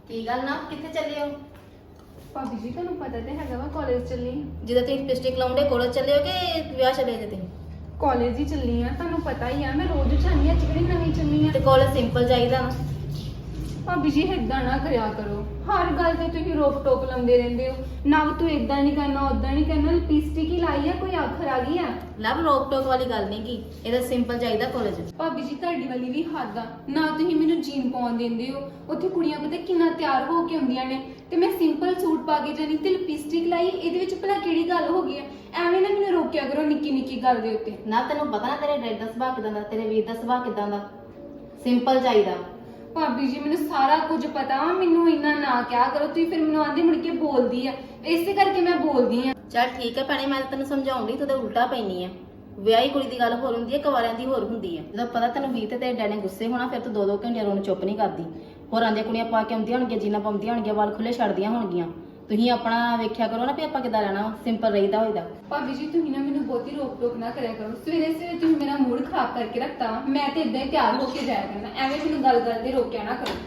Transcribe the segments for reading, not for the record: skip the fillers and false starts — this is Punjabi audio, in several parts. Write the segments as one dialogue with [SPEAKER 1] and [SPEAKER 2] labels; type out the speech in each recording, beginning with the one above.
[SPEAKER 1] ਕੀ ਗੱਲ ਨਾ ਕਿੱਥੇ ਚੱਲੇ ਹੋ?
[SPEAKER 2] ਭਾਬੀ ਜੀ ਤੁਹਾਨੂੰ ਪਤਾ ਤੇ ਹੈਗਾ ਵਾ ਕਾਲਜ ਚੱਲੀ
[SPEAKER 1] ਜਦੋਂ ਤੁਸੀਂ ਲਿਪਸਟਿਕ ਲਾਉਂਦੇ ਕਾਲਜ ਚੱਲੇ ਹੋ ਕਿ ਵਿਆਹ ਚਲੇ ਜੇ ਤੁਸੀਂ?
[SPEAKER 2] ਕਾਲਜ ਹੀ ਚੱਲੀ ਆ ਤੁਹਾਨੂੰ ਪਤਾ ਹੀ ਆ ਮੈਂ ਰੋਜ਼ ਜਾਂਦੀ ਆ ਕਿਹੜੀ ਨਵੀਂ ਚੱਲੀ ਆ
[SPEAKER 1] ਤੇ ਕਾਲਜ ਸਿੰਪਲ ਚਾਹੀਦਾ ਨਾ।
[SPEAKER 2] ਭਾਬੀ ਜੀ ਏਦਾਂ ਨਾ ਕਰਿਆ ਕਰੋ ਹਰ ਗੱਲ ਤੇ ਤੁਸੀਂ ਰੋਕ ਟੋਕ ਲਾਉਂਦੇ ਰਹਿੰਦੇ ਹੋ ਨਾ ਤੂੰ ਏਦਾਂ ਨਹੀਂ ਕਰਨਾ ਉਦਾਂ ਨਹੀਂ ਕਰਨਾ ਲਿਪਸਟਿਕ ਹੀ ਲਾਈ ਆ ਕੋਈ ਆਖਰ ਆ ਗਈ ਆ
[SPEAKER 1] ਲਵ ਰੋਕ ਟੋਕ ਵਾਲੀ ਗੱਲ ਨਹੀਂ ਕੀ ਇਹਦਾ ਸਿੰਪਲ ਚਾਹੀਦਾ ਕਾਲਜ।
[SPEAKER 2] ਭਾਬੀ ਜੀ ਤੁਹਾਡੀ ਵਾਲੀ ਵੀ ਹੱਦ ਆ ਨਾ ਤੁਸੀਂ ਮੈਨੂੰ ਜੀਨ ਪਾਉਣ ਦਿੰਦੇ ਹੋ ਉੱਥੇ ਕੁੜੀਆਂ ਪਤਾ ਕਿੰਨਾ ਤਿਆਰ ਹੋ ਕੇ ਆਉਂਦੀਆਂ ਨੇ ਤੇ ਮੈਂ ਸਿੰਪਲ ਸੂਟ ਪਾ ਕੇ ਜਾਣੀ ਤੇ ਲਿਪਸਟਿਕ ਲਾਈ ਇਹਦੇ ਵਿੱਚ ਭਲਾ ਕਿਹੜੀ ਗੱਲ ਹੋ ਗਈ ਆ ਐਵੇਂ ਨਾ ਮੈਨੂੰ ਰੋਕਿਆ ਕਰੋ ਨਿੱਕੀ ਨਿੱਕੀ ਗੱਲ ਦੇ ਉੱਤੇ।
[SPEAKER 1] ਨਾ ਤੈਨੂੰ ਪਤਾ ਨਾ ਤੇਰੇ ਡੈਡ ਦਾ ਸੁਭਾਅ ਕਿਦਾਂ ਦਾ, ਤੇਰੇ ਵੀਰ ਦਾ ਸੁਭਾਅ ਕਿਦਾਂ ਦਾ। ਸਿੰਪਲ ਚਾਹੀਦਾ।
[SPEAKER 2] ਭਾਬੀ ਜੀ ਮੈਨੂੰ ਸਾਰਾ ਕੁਝ ਪਤਾ ਵਾ ਮੈਨੂੰ ਇੰਨਾ ਨਾ ਕਿਹਾ ਕਰੋ ਤੁਸੀਂ ਫਿਰ ਮੈਨੂੰ ਆਂਦੇ ਮੁੜ ਕੇ ਬੋਲਦੀ ਆ ਇਸੇ ਕਰਕੇ ਮੈਂ ਬੋਲਦੀ ਆ।
[SPEAKER 1] ਚੱਲ ਠੀਕ ਹੈ ਭੈਣੇ ਮੈਂ ਤਾਂ ਤੈਨੂੰ ਸਮਝਾਉਂਦੀ ਤੂੰ ਤੇ ਉਲਟਾ ਪੈਣੀ ਆ। ਵਿਆਹੀ ਕੁੜੀ ਦੀ ਗੱਲ ਹੋਰ ਹੁੰਦੀ ਹੈ ਕੁਆਰਿਆਂ ਦੀ ਹੋਰ ਹੁੰਦੀ ਹੈ। ਜਦੋਂ ਪਤਾ ਤੈਨੂੰ ਵੀਰ ਤੇ ਤੇਰੇ ਡੈਡ ਨੇ ਗੁੱਸੇ ਹੋਣਾ ਫਿਰ ਤੂੰ 2-2 ਘੰਟੇ ਰੋਣ ਚੁੱਪ ਨਹੀਂ ਕਰਦੀ। ਹੋਰਾਂ ਦੀਆਂ ਕੁੜੀਆਂ ਪਾ ਕੇ ਆਉਂਦੀਆਂ ਹੋਣਗੀਆਂ ਜੀਨਾਂ ਪਾਉਂਦੀਆਂ ਹੋਣਗੀਆਂ ਵਾਲ ਖੁੱਲੇ ਛੱਡਦੀਆਂ ਹੋਣਗੀਆਂ। ਤੁਸੀਂ ਆਪਣਾ ਵੇਖਿਆ ਕਰੋ ਨਾ ਵੀ ਆਪਾਂ ਕਿੱਦਾਂ ਰਹਿਣਾ ਸਿੰਪਲ ਰਹੀਦਾ ਹੋਈਦਾ।
[SPEAKER 2] ਭਾਬੀ ਜੀ ਤੁਸੀਂ ਨਾ ਮੈਨੂੰ ਬਹੁਤੀ ਰੋਕ ਟੋਕ ਨਾ ਕਰਿਆ ਕਰੋ ਸਵੇਰੇ ਸਵੇਰੇ ਤੁਸੀਂ ਮੇਰਾ ਮੂਡ ਖਰਾਬ ਕਰਕੇ ਰੱਖਤਾ ਵਾ ਮੈਂ ਤੇ ਇਦਾਂ ਹੀ ਤਿਆਰ ਹੋ ਕੇ ਜਾਇਆ ਕਰਨਾ ਐਵੇਂ ਮੈਨੂੰ ਗੱਲ ਕਰਦੇ ਰੋਕਿਆ ਨਾ ਕਰੋ।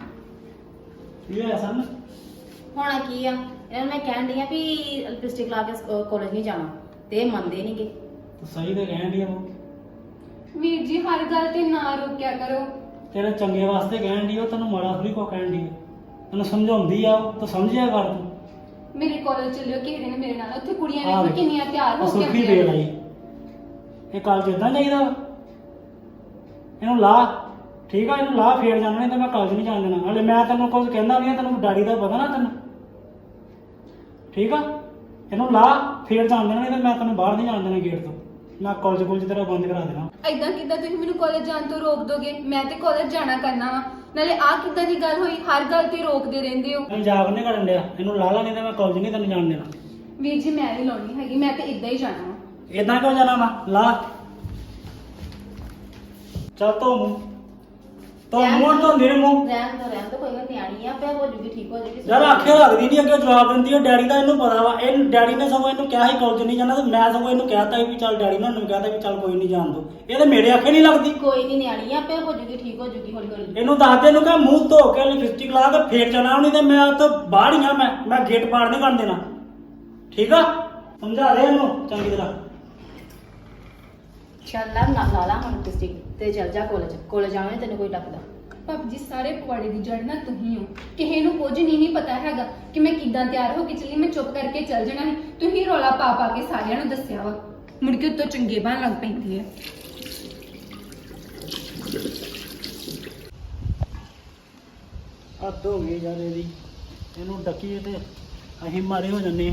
[SPEAKER 3] ਕੀ ਹੋਇਆ ਸਨ?
[SPEAKER 1] ਹੋਣਾ ਕੀ ਆ ਇਹਨਾਂ ਨੂੰ ਮੈਂ ਕਹਿਣ ਡਈ ਆ ਵੀ ਲਿਪਸਟਿਕ ਲਾ ਕੇ ਕਾਲਜ ਨਹੀਂ ਜਾਣਾ ਤੇ ਇਹ ਮੰਨਦੇ ਨਹੀਂਗੇ।
[SPEAKER 3] ਤੂੰ ਸਹੀ ਤੇ ਕਹਿਣ ਡਈ ਆ ਉਹ।
[SPEAKER 2] ਵੀਰ ਜੀ ਹਰ ਗੱਲ ਤੇ ਨਾ ਰੋਕਿਆ ਕਰੋ।
[SPEAKER 3] ਤੇਰੇ ਚੰਗੇ ਵਾਸਤੇ ਕਹਿਣ ਡਈ ਉਹ ਤੈਨੂੰ ਮਾੜਾ ਥੋੜੀ ਕੋ ਕਹਿਣ ਡਈ ਤੈਨੂੰ ਸਮਝਾਉਂਦੀ ਆ ਉਹ ਤੂੰ ਸਮਝਿਆ ਕਰ ਤੂੰ।
[SPEAKER 2] ਮੇਰੇ ਕਾਲਜ ਚੱਲਿਓ ਕਿਸੇ ਦਿਨ ਮੇਰੇ ਨਾਲ ਉੱਥੇ ਕੁੜੀਆਂ
[SPEAKER 3] ਆਹ
[SPEAKER 2] ਵੇਖੋ ਕਿੰਨੀਆਂ ਤਿਆਰ ਹੋ ਕੇ
[SPEAKER 3] ਸੁੱਖੀ
[SPEAKER 2] ਆਉਂਦੀਆਂ
[SPEAKER 3] ਵੇਲ ਆਈ ਇਹ ਕਾਲਜ ਇਦਾਂ ਚਾਹੀਦਾ ਵਾ? ਇਹਨੂੰ ਲਾ ਠੀਕ ਆ ਇਹਨੂੰ ਲਾ ਫੇਰ ਜਾਣਾ ਨਹੀਂ ਤਾਂ ਮੈਂ ਕਾਲਜ ਨਹੀਂ ਜਾਣ ਦੇਣਾ। ਹਲੇ ਮੈਂ ਤੈਨੂੰ ਕੁਝ ਕਹਿੰਦਾ ਨਹੀਂ ਤੈਨੂੰ ਡੈਡੀ ਦਾ ਪਤਾ ਨਾ ਤੈਨੂੰ ਠੀਕ ਆ। ਇਹਨੂੰ ਲਾ ਫੇਰ ਜਾਣ ਦੇਣਾ ਨਹੀਂ ਤਾਂ ਮੈਂ ਤੈਨੂੰ ਬਾਹਰ ਨਹੀਂ ਜਾਣ ਦੇਣਾ ਗੇਟ ਤੋਂ। ਮੈਂ ਕਾਲਜ ਕੋਲ ਤੇਰਾ ਬੰਦ ਕਰਾ ਦੇਣਾ।
[SPEAKER 2] ਏਦਾਂ ਕਿੱਦਾਂ ਤੁਸੀਂ ਮੈਨੂੰ ਕਾਲਜ ਜਾਣ ਤੋਂ ਰੋਕ ਦੋਗੇ ਮੈਂ ਤੇ ਕਾਲਜ ਜਾਣਾ ਕਰਨਾ ਵਾ ਨਾਲੇ ਆਹ ਕਿੱਦਾਂ ਦੀ ਗੱਲ ਹੋਈ ਹਰ ਗੱਲ ਤੇ ਰੋਕਦੇ ਰਹਿੰਦੇ ਹੋ।
[SPEAKER 3] ਮੈਂ ਮਜ਼ਾਕ ਨਹੀਂ ਕਰਨ ਡਿਆ ਇਹਨੂੰ ਲਾ ਲਾ ਨਹੀਂ ਤਾਂ ਮੈਂ ਕਾਲਜ ਨਹੀਂ ਤੈਨੂੰ ਜਾਣ ਦੇਣਾ।
[SPEAKER 2] ਵੀਰ ਜੀ ਮੈਂ ਨਹੀਂ ਲਾਉਣੀ ਹੈਗੀ ਮੈਂ ਤੇ ਇਦਾਂ ਹੀ ਜਾਣਾ ਵਾ।
[SPEAKER 3] ਇਦਾਂ ਕਿਉਂ ਜਾਣਾ ਵਾ ਲਾ ਚੱਲ ਤੋ ਮੂੰਹ ਤੋ ਮੂੰਹ ਤੋਂ ਮੇਰੇ ਮੂੰਹ
[SPEAKER 1] ਰਹਿਣ ਤੋਂ ਕੋਈ ਗੱਲ ਨਿਆਣੀ ਆ ਪਿਆ ਹੋ ਜੂਗੀ ਠੀਕ ਹੋ ਜੂਗੀ।
[SPEAKER 3] ਯਾਰ ਆਖੇ ਲੱਗਦੀ ਨਹੀਂ ਅੱਗੇ ਜਵਾਬ ਦਿੰਦੀ ਹੈ ਡੈਡੀ ਦਾ ਇਹਨੂੰ ਪਤਾ ਵਾ ਇਹ ਡੈਡੀ ਨੇ ਸਗੋਂ ਇਹਨੂੰ ਕਿਹਾ ਸੀ ਕਾਲਜ ਨਹੀਂ ਜਾਣਾ ਤੇ ਮੈਂ ਸਗੋਂ ਇਹਨੂੰ ਕਹਿਤਾ ਵੀ ਚੱਲ ਡੈਡੀ ਨੇ ਉਹਨੂੰ ਕਹਿਤਾ ਵੀ ਚੱਲ ਕੋਈ ਨਹੀਂ ਜਾਣ ਦੋ। ਇਹ ਤਾਂ ਮੇਰੇ ਆਖੇ ਨਹੀਂ ਲੱਗਦੀ।
[SPEAKER 1] ਕੋਈ ਨਹੀਂ ਨਿਆਣੀ ਆ ਪਿਆ ਹੋ ਜੂਗੀ ਠੀਕ ਹੋ ਜੂਗੀ ਹੌਲੀ ਹੌਲੀ।
[SPEAKER 3] ਇਹਨੂੰ ਦੱਸ ਦੇ ਇਹਨੂੰ ਕਹ ਮੂੰਹ ਧੋ ਕੇ ਲਿਪਸਟਿਕ ਲਾ ਕੇ ਫੇਰ ਜਾਣਾ ਨਹੀਂ ਤੇ ਮੈਂ ਉੱਥੋਂ ਬਾਹਰ ਹੀ ਆ ਮੈਂ ਗੇਟ ਪਾਰ ਨਹੀਂ ਕਰਨ ਦੇਣਾ ਠੀਕ ਆ। ਸਮਝਾ ਦੇ ਇਹਨੂੰ ਚੰਗੀ ਤਰ੍ਹਾਂ।
[SPEAKER 1] ਚੱਲ ਲਾ ਲਾ ਹੁਣ ਲਿਪਸਟਿਕ ਤੇ ਚੱਲ ਜਾ ਕਾਲਜ ਜਾਣਾ ਤੈਨੂੰ ਕੋਈ ਡੱਕਦਾ।
[SPEAKER 2] ਭਾਬੀ ਜੀ ਸਾਰੇ ਪਵਾੜੇ ਦੀ ਜੜ ਨਾ ਤੁਸੀਂ ਹੋ ਕਿਸੇ ਨੂੰ ਕੁਝ ਨਹੀਂ ਪਤਾ ਹੈਗਾ ਕਿ ਮੈਂ ਕਿੱਦਾਂ ਤਿਆਰ ਹੋ ਕੇ ਚੱਲੀ ਮੈਂ ਚੁੱਪ ਕਰਕੇ ਚੱਲ ਜਾਣਾ ਸੀ ਤੁਸੀਂ ਰੌਲਾ ਪਾ ਪਾ ਕੇ ਸਾਰਿਆਂ ਨੂੰ ਦੱਸਿਆ ਵਾ ਮੁੜ ਕੇ ਉੱਤੋਂ ਚੰਗੇ ਬਣ ਲੱਗ ਪੈਂਦੀ ਹੈ।
[SPEAKER 3] ਹੱਦ ਹੋ ਗਈ ਯਾਰ ਇਹਦੀ ਇਹਨੂੰ ਡੱਕੀਏ ਤੇ ਅਸੀਂ ਮਾਰੇ ਹੋ ਜੰਨੇ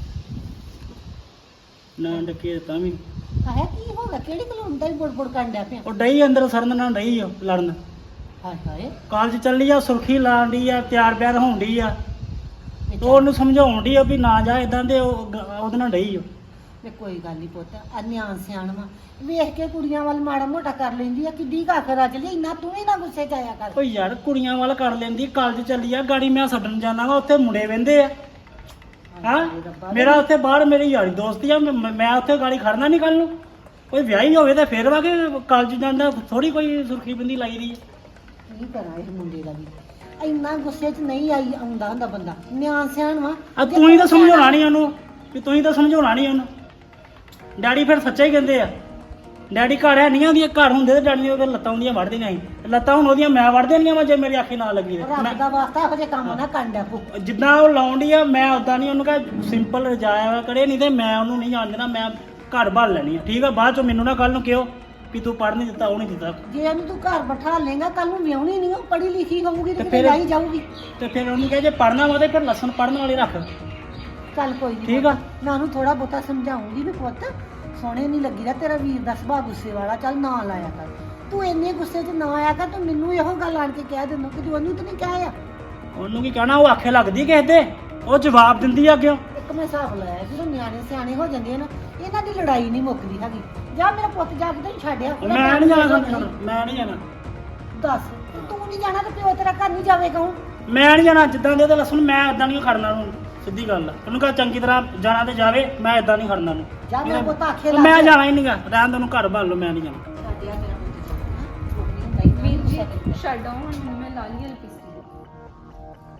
[SPEAKER 3] ਨਾ ਡੱਕੀਏ ਤਾਂ ਵੀ
[SPEAKER 4] ਆਇਆ ਕੀ ਹੋ ਗਿਆ ਕਿਹੜੀ ਗੱਲ ਹੁੰਦਾ ਹੀ ਬੁੜਬੁੜ ਕਰਨ ਡਿਆ ਪਿਆ
[SPEAKER 3] ਉਹ ਡਈ ਅੰਦਰ ਸਰਨ ਨਾਲ ਡਈ ਆ ਲੜਨ।
[SPEAKER 4] ਹਾਏ ਹਾਏ
[SPEAKER 3] ਕਾਲਜ ਚੱਲੀ ਆ ਸੁਰਖੀ ਲਾਣ ਡਈ ਆ ਤਿਆਰ ਬਿਆਰ ਹੋਣ ਡਈ ਆ ਤੇ ਉਹਨੂੰ ਸਮਝਾਉਣ ਡਈ ਆ ਵੀ ਨਾ ਜਾ ਇਦਾਂ ਦੇ ਉਹਦੇ ਨਾਲ ਡਈ ਆ।
[SPEAKER 4] ਵੇ ਕੋਈ ਗੱਲ ਨਹੀਂ ਪੁੱਤ ਆ ਨਿਆਣ ਸਿਆਣ ਵਾ ਵੇਖ ਕੇ ਕੁੜੀਆਂ ਵੱਲ ਮਾੜਾ ਮੋਟਾ ਕਰ ਲੈਂਦੀ ਆ ਕਿੱਡੀ ਕਾਖਰ ਅੱਜ ਲਈ ਇੰਨਾ ਤੂੰ ਵੀ ਨਾ ਗੁੱਸੇ ਚ ਆਇਆ ਕਰ।
[SPEAKER 3] ਓ ਯਾਰ ਕੁੜੀਆਂ ਵੱਲ ਕਰ ਲੈਂਦੀ ਕਾਲਜ ਚੱਲੀ ਆ ਗਾੜੀ ਮੈਂ ਛੱਡਣ ਜਾਣਾ ਵਾ ਉੱਥੇ ਮੁੰਡੇ ਵਹਿੰਦੇ ਆ ਹਾਂ ਮੇਰਾ ਉੱਥੇ ਬਾਹਰ ਮੇਰੀ ਯਾਰੀ ਦੋਸਤੀ ਆ ਮੈਂ ਉੱਥੇ ਗਾੜੀ ਖੜਨਾ ਨਹੀਂ ਕੱਲ ਨੂੰ। ਕੋਈ ਵਿਆਹੀ ਹੋਵੇ ਤਾਂ ਫੇਰ ਵਾ ਕਿ ਕਾਲਜ ਜਾਂਦਾ ਥੋੜੀ ਕੋਈ ਸੁਰਖੀ ਬਿੰਦੀ ਲਾਈ ਦੀ ਆ।
[SPEAKER 4] ਕੀ ਕਰਾਂ ਇਸ ਮੁੰਡੇ ਦਾ ਵੀ ਇੰਨਾ ਗੁੱਸੇ ਚ ਨਹੀਂ ਆਈ ਆਉਂਦਾ ਹੁੰਦਾ ਬੰਦਾ ਨਿਆਣ ਸਿਆਣ ਵਾ।
[SPEAKER 3] ਆ ਤੂੰ ਹੀ ਤਾਂ ਸਮਝਾਉਣਾ ਨਹੀਂ ਉਹਨੂੰ ਵੀ ਤੂੰ ਹੀ ਤਾਂ ਸਮਝਾਉਣਾ ਨਹੀਂ ਉਹਨੂੰ। ਡੈਡੀ ਫਿਰ ਸੱਚਾ ਹੀ ਕਹਿੰਦੇ ਆ ਡੈਡੀ ਘਰ ਹੈ ਨਹੀਂ ਆਉਂਦੀਆਂ ਘਰ ਹੁੰਦੇ ਤੇ ਡੈਡੀ ਦੀਆਂ ਉਹਦੇ ਲੱਤਾਂ ਹੁੰਦੀਆਂ ਵੜਦੀਆਂ ਸੀ ਲੱਤਾਂ ਹੁਣ ਉਹਦੀਆਂ ਮੈਂ ਵੜ ਦੇਣੀਆਂ ਵਾ ਜੇ ਮੇਰੀ ਅੱਖੀ ਨਾ ਲੱਗੀ
[SPEAKER 4] ਰੱਬ ਦਾ ਵਾਸਤਾ ਇਹੋ ਜਿਹੇ ਕੰਮ ਨਾ ਕਰਨ ਡਿਆ ਤੂੰ।
[SPEAKER 3] ਜਿੱਦਾਂ ਉਹ ਲਾਉਂਦੀ ਆ ਮੈਂ ਉਦਾਂ ਨਹੀਂ ਉਹਨੂੰ ਕਹ ਸਿੰਪਲ ਰਜਾਇਆ ਕਰੇ ਨਹੀਂ ਤੇ ਮੈਂ ਉਹਨੂੰ ਨਹੀਂ ਜਾਣ ਦੇਣਾ ਮੈਂ ਘਰ ਭਰ ਲੈਣੀ ਆ ਠੀਕ ਆ। ਬਾਅਦ ਚੋਂ ਮੈਨੂੰ ਨਾ ਕੱਲ ਨੂੰ ਕਿਹੋ ਵੀ ਤੂੰ ਪੜ੍ਹ ਨਹੀਂ ਦਿੱਤਾ ਉਹ ਨਹੀਂ ਦਿੱਤਾ।
[SPEAKER 4] ਜੇ ਇਹਨੂੰ ਤੂੰ ਘਰ ਬਿਠਾ ਲੇਗਾ ਕੱਲ ਨੂੰ ਵਿਆਹਣੀ ਨਹੀਂ ਉਹ ਪੜ੍ਹੀ ਲਿਖੀ ਹੋਊਗੀ ਤੇ
[SPEAKER 3] ਤੇ
[SPEAKER 4] ਫਿਰ
[SPEAKER 3] ਫਿਰ-
[SPEAKER 4] ਆਈ ਜਾਊਗੀ।
[SPEAKER 3] ਤੇ ਫਿਰ ਉਹਨੂੰ ਕਹੇ ਜੇ ਪੜ੍ਹਨਾ ਵਾ ਤੇ ਫਿਰ ਲਸਣ ਪੜ੍ਹਨ ਵਾਲੇ ਰੱਖ
[SPEAKER 4] ਚੱਲ ਕੋਈ ਨਹੀਂ
[SPEAKER 3] ਠੀਕ ਆ।
[SPEAKER 4] ਮੈਂ ਉਹਨੂੰ ਥੋੜਾ ਬਹੁਤਾ ਸਮਝਾਉਂਗੀ ਵੀ ਪੁੱਤ ਸੋਹਣੇ ਨਹੀਂ ਲੱਗੀਦਾ ਤੇਰਾ ਵੀਰ ਦਾ ਸੁਭਾਅ ਗੁੱਸੇ ਵਾਲਾ ਚੱਲ ਨਾ ਲਾਇਆ ਕਰ ਤੂੰ ਇੰਨੇ ਗੁੱਸੇ 'ਚ ਨਾ ਆਇਆ ਕਰ ਤੂੰ ਮੈਨੂੰ ਇਹੋ ਗੱਲ ਆਣ ਕੇ ਕਹਿ ਦਿੰਦਾ ਕਿ ਤੂੰ ਉਹਨੂੰ ਤਾਂ ਨਹੀਂ ਕਹਿਆ।
[SPEAKER 3] ਉਹਨੂੰ ਕੀ ਕਹਿਣਾ ਉਹ ਆਖੇ ਲੱਗਦੀ ਕਿਸੇ ਦੇ ਉਹ ਜਵਾਬ ਦਿੰਦੀ ਆ ਅੱਗੇ।
[SPEAKER 4] ਇੱਕ ਮੈਂ ਹਿਸਾਬ ਲਾਇਆ ਜਦੋਂ ਨਿਆਣੇ ਸਿਆਣੇ ਹੋ ਜਾਂਦੇ ਆ ਨਾ ਇਹਨਾਂ ਦੀ ਲੜਾਈ ਨਹੀਂ ਮੁੱਕਦੀ ਹੈਗੀ। ਜਾ ਮੇਰਾ ਪੁੱਤ ਜਾ ਕੇ ਤੈਨੂੰ ਛੱਡਿਆ
[SPEAKER 3] ਮੈਂ ਨਹੀਂ ਜਾਣਾ ਮੈਂ ਨਹੀਂ ਜਾਣਾ।
[SPEAKER 4] ਦੱਸ ਤੂੰ ਨਹੀਂ ਜਾਣਾ ਤੇ ਪਿਓ ਤੇਰਾ ਘਰ ਨਹੀਂ ਜਾਵੇਗਾ ਹੁਣ।
[SPEAKER 3] ਮੈਂ ਨਹੀਂ ਜਾਣਾ ਜਿੱਦਾਂ ਦੇ ਉਹਦੇ ਲਸਣ ਮੈਂ ਇਦਾਂ ਨਹੀਂ ਖੜਨਾ ਉਹਨੂੰ ਸਿੱਧੀ ਗੱਲ ਆ। ਉਹਨੂੰ ਕਹ ਚੰਗੀ ਤਰ੍ਹਾਂ ਜਾਣਾ ਤੇ ਜਾਵੇ ਮੈਂ ਇਦਾਂ ਨਹੀਂ ਖੜਨਾ ਉਹਨੂੰ।
[SPEAKER 4] ਜਾ ਮੇਰਾ ਪੁੱਤ ਆਖੇ
[SPEAKER 3] ਉਹ ਮੈਂ ਜਾਣਾ ਹੀ ਨਹੀਂਗਾ ਰਹਿਣ ਦੇ ਉਹਨੂੰ ਘਰ ਭਾਲ ਲਓ ਮੈਂ ਨਹੀਂ ਜਾਣਾ।
[SPEAKER 4] ਛੱਡਿਆ ਮੇਰਾ ਪੁੱਤ ਜਾਣਾ
[SPEAKER 2] ਵੀਰ ਜੀ ਛੱਡ ਆਓ ਹੁਣ ਮੈਨੂੰ ਮੈਂ ਲਾ ਲਈ ਲਿਪਸਟਿਕ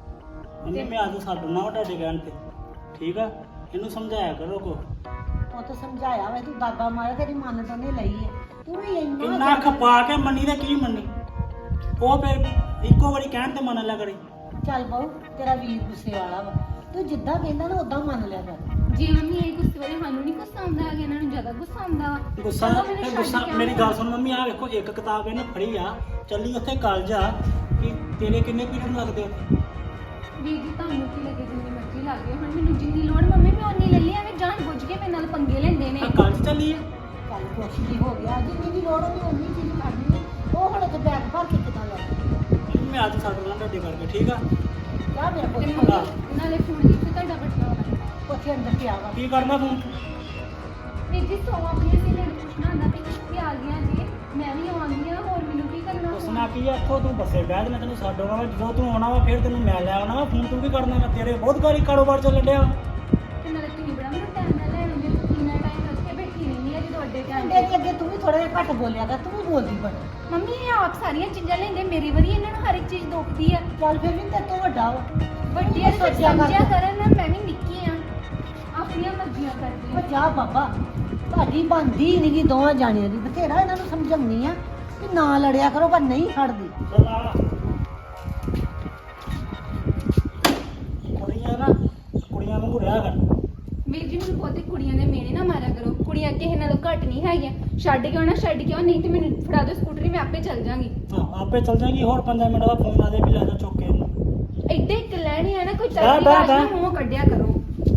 [SPEAKER 3] ਮੰਮੀ ਮੈਂ ਅੱਜ ਛੱਡਣਾ ਵਾ ਤੁਹਾਡੇ ਕਹਿਣ ਤੇ, ਠੀਕ ਆ? ਇਹਨੂੰ ਸਮਝਾਇਆ ਕਰੋ ਕੋ।
[SPEAKER 4] ਉਹ ਤਾਂ ਸਮਝਾਇਆ ਵਾ, ਤੂੰ ਦਾਦਾ ਮਾਰਿਆ ਤੇਰੀ ਮਨ ਤਾਂ ਨਹੀਂ ਲਈ ਹੈ। ਤੂੰ ਵੀ
[SPEAKER 3] ਕਿੰਨਾ
[SPEAKER 4] ਇੰਨਾ
[SPEAKER 3] ਖਪਾ ਕੇ ਮੰਨੀ ਤੇ ਕੀ ਮੰਨੀ? ਉਹ ਫਿਰ ਇੱਕੋ ਵਾਰੀ ਕਹਿਣ ਤੇ ਮੰਨ ਲਿਆ ਕਰੇ।
[SPEAKER 4] ਚੱਲ ਬਹੁ, ਤੇਰਾ ਵੀਰ ਗੁੱਸੇ ਵਾਲਾ ਵਾ, ਤੂੰ ਜਿੱਦਾਂ ਕਹਿੰਦਾ ਨਾ ਉਦਾਂ ਮੰਨ ਲਿਆ ਕਰ।
[SPEAKER 2] ਜੇ ਮੰਮੀ ਇਹ ਗੁੱਸੇ ਵਾਲੇ ਸਾਨੂੰ ਨਹੀਂ ਗੁੱਸਾ ਆਉਂਦਾ ਹੈਗਾ, ਇਹਨਾਂ ਨੂੰ ਜ਼ਿਆਦਾ ਗੁੱਸਾ ਆਉਂਦਾ ਵਾ।
[SPEAKER 3] ਗੁੱਸਾ
[SPEAKER 2] ਚਲੋ ਮੈਨੂੰ
[SPEAKER 3] ਇਹ
[SPEAKER 2] ਛੱਡ
[SPEAKER 3] ਗੁੱਸਾ
[SPEAKER 2] ਕੇ
[SPEAKER 3] ਮੇਰੀ
[SPEAKER 2] ਆਓ।
[SPEAKER 3] ਗੱਲ ਸੁਣ ਮੰਮੀ, ਆਹ ਵੇਖੋ ਇੱਕ ਕਿਤਾਬ ਇਹਨੇ ਫੜੀ ਆ, ਚੱਲੀ ਉੱਥੇ ਕਾਲਜ ਆ, ਕਿ ਤੇਰੇ ਕਿੰਨੇ ਪੀਰੀਅਡ ਲੱਗਦੇ ਉੱਥੇ?
[SPEAKER 2] ਵੀਰ ਜੀ ਤੁਹਾਨੂੰ ਕੀ ਲੱਗੇ, ਜਿੰਨੀ ਮਰਜ਼ੀ ਲੱਗੇ ਹੁਣ ਮੈਨੂੰ ਜਿੰਨੀ ਲੋੜ ਮੰਮੀ ਮੈਂ ਉਨੀ ਲੈ ਲਈ, ਐਵੇਂ ਜਾਣ ਬੁੱਝ ਕੇ ਮੇਰੇ ਨਾਲ ਪੰਗੇ ਲੈਂਦੇ ਨੇ।
[SPEAKER 3] ਆ ਕਾਲਜ ਚੱਲੀ ਆ।
[SPEAKER 4] ਚੱਲ ਕੁਛ ਨਹੀਂ ਹੋ ਗਿਆ, ਜਿੰਨੀ ਦੀ ਲੋੜ ਹੋਣੀ ਉਨੀ ਚੀਜ਼ ਕਰਨੀ ਹੈ। ਉਹ ਹੁਣ ਤੇ ਬੈਗ ਭਰ ਕੇ ਕਿੱਦਾਂ ਲੱਗ
[SPEAKER 3] ਮੰਮੀ ਮੈਂ ਅੱਜ ਛੱਡ ਲਾਂ ਤੁਹਾਡੇ ਕਰਕੇ, ਠੀਕ ਆ?
[SPEAKER 4] ਜਾ ਮੇਰਾ
[SPEAKER 2] ਤੇ
[SPEAKER 4] ਪੁੱਤ
[SPEAKER 2] ਮੰਮੀ ਨਾਲੇ ਫੋਨ ਕਿੱਥੇ ਤੁਹਾਡਾ ਬਟਨਾ ਵਾ?
[SPEAKER 4] ਉੱਥੇ ਅੰਦਰ ਪਿਆ ਵਾ।
[SPEAKER 3] ਕੀ ਕਰਨਾ ਫੋਨ?
[SPEAKER 2] ਵੀਰ ਜੀ ਸੋ ਆਪਣੀ ਸਹੇਲੀ ਨੂੰ ਪੁੱਛਣਾ ਹੁੰਦਾ ਵੀ ਕਿੱਥੇ ਆ ਗਈਆਂ ਜੀ, ਮੈਂ ਵੀ ਆਉਂਦੀ ਆ, ਹੋਰ ਮੈਨੂੰ ਕੀ ਕਰਨਾ
[SPEAKER 3] ਉਸ
[SPEAKER 2] ਫੋਨ?
[SPEAKER 3] ਨਾਲ ਕੀ ਆ, ਇੱਥੋਂ ਤੂੰ ਬੱਸੇ ਬਹਿ ਜਾ, ਮੈਂ ਤੈਨੂੰ ਛੱਡ ਆਉਣਾ ਵਾ। ਜਦੋਂ ਤੂੰ ਆਉਣਾ ਵਾ ਫਿਰ ਤੈਨੂੰ ਮੈਂ ਲੈ ਆਉਣਾ ਵਾ। ਫੋਨ ਤੂੰ ਕੀ ਕਰਨਾ ਵਾ? ਤੇਰੇ ਬਹੁਤ ਗਾੜੀ ਕਾਰੋਬਾਰ ਚੱਲਣ ਡਿਆ।
[SPEAKER 2] ਤੇ ਨਾਲੇ ਤੁਸੀਂ ਬੜਾ ਮੈਨੂੰ ਟਾਈਮ ਨਾਲ ਲੈਣ ਆਉਂਦੇ ਹੋ, ਕਿੰਨਾ ਟਾਈਮ ਉੱਥੇ ਬੈਠੀ ਰਹਿੰਦੀ ਆ ਜਦੋਂ ਅੱਡੇ ਤੇ ਆਉਂਦੇ।
[SPEAKER 4] ਤੇਰੇ ਅੱਗੇ ਤੂੰ ਵੀ ਥੋੜਾ ਜਿਹਾ ਘੱਟ ਬੋਲਿਆ ਕਰ, ਤੂੰ ਵੀ ਬੋਲਦੀ ਬੜੀ।
[SPEAKER 2] ਮੰਮੀ ਇਹ ਆਪ ਸਾਰੀਆਂ ਚੀਜ਼ਾਂ ਲੈਂਦੇ, ਮੇਰੀ ਵਾਰੀ ਇਹਨਾਂ ਨੂੰ ਹਰ ਇੱਕ ਚੀਜ਼ ਦੁਖਦੀ ਆ।
[SPEAKER 4] ਚੱਲ ਫਿਰ ਵੀ ਤੇਰੇ ਤੋਂ ਵੱਡਾ ਵਾ।
[SPEAKER 2] ਵੱਡੀਆਂ
[SPEAKER 4] ਤੂੰ
[SPEAKER 2] ਤੇ
[SPEAKER 4] ਸੋਚਿਆ ਕਰ।
[SPEAKER 2] ਸਮਝਿਆ ਕਰਨ ਨਾ, ਮੈਂ ਵੀ ਨਿੱਕੀ ਆ, ਆਪਣੀਆਂ ਮਰਜ਼ੀਆਂ ਕਰਦੀ
[SPEAKER 4] ਉਹ
[SPEAKER 2] ਆ।
[SPEAKER 4] ਜਾ ਬਾਬਾ, ਤੁਹਾਡੀ ਬਣਦੀ ਨਹੀਂਗੀ ਦੋਵਾਂ ਜਾਣਿਆਂ ਦੀ। ਬਥੇਰਾ ਇਹਨਾਂ ਨੂੰ ਸਮਝਾਉਣੀ ਆ ਕਿ ਨਾ ਲੜਿਆ ਕਰੋ, ਪਰ ਨਹੀਂ ਖੜਦੀ।
[SPEAKER 3] ਚੱਲ ਆ ਕੁੜੀਆਂ ਨਾ, ਕੁੜੀਆਂ ਵਾਂਗੂ ਰਿਹਾ ਕਰ।
[SPEAKER 2] ਵੀਰ ਜੀ ਮੈਨੂੰ ਬਹੁਤੀ ਕੁੜੀਆਂ ਦੇ ਮੇਨੇ ਨਾ ਮਾਰਿਆ ਕਰੋ, ਕੁੜੀਆਂ ਕਿਸੇ ਨਾਲੋਂ ਘੱਟ ਨਹੀਂ ਹੈਗੀਆਂ। ਛੱਡ ਕੇ ਆਉਣਾ ਛੱਡ ਕੇ ਆਓ, ਨਹੀਂ ਤੇ ਮੈਨੂੰ ਫੜਾ ਦਿਓ ਸਕੂਟਰੀ, ਮੈਂ ਆਪੇ ਚੱਲ ਜਾਵਾਂਗੀ।
[SPEAKER 3] ਹਾਂ ਆਪੇ ਚੱਲ ਜਾਏਗੀ। ਹੋਰ 5 ਮਿੰਟ ਦਾ ਫੋਨ ਆ ਦੇ ਵੀ ਲੈ ਜਾ ਚੁੱਕ ਕੇ ਇਹਨੂੰ।
[SPEAKER 2] ਐਡੇ ਇੱਕ ਲੈਣੀ ਆ ਨਾ, ਕੋਈ
[SPEAKER 3] ਬੈ-
[SPEAKER 2] ਤਰ੍ਹਾਂ ਦੀ
[SPEAKER 3] ਬੈ-
[SPEAKER 2] ਗੱਲ ਨਾ
[SPEAKER 3] ਬੈ।
[SPEAKER 2] ਮੂੰਹ ਕੱਢਿਆ ਕਰੋ।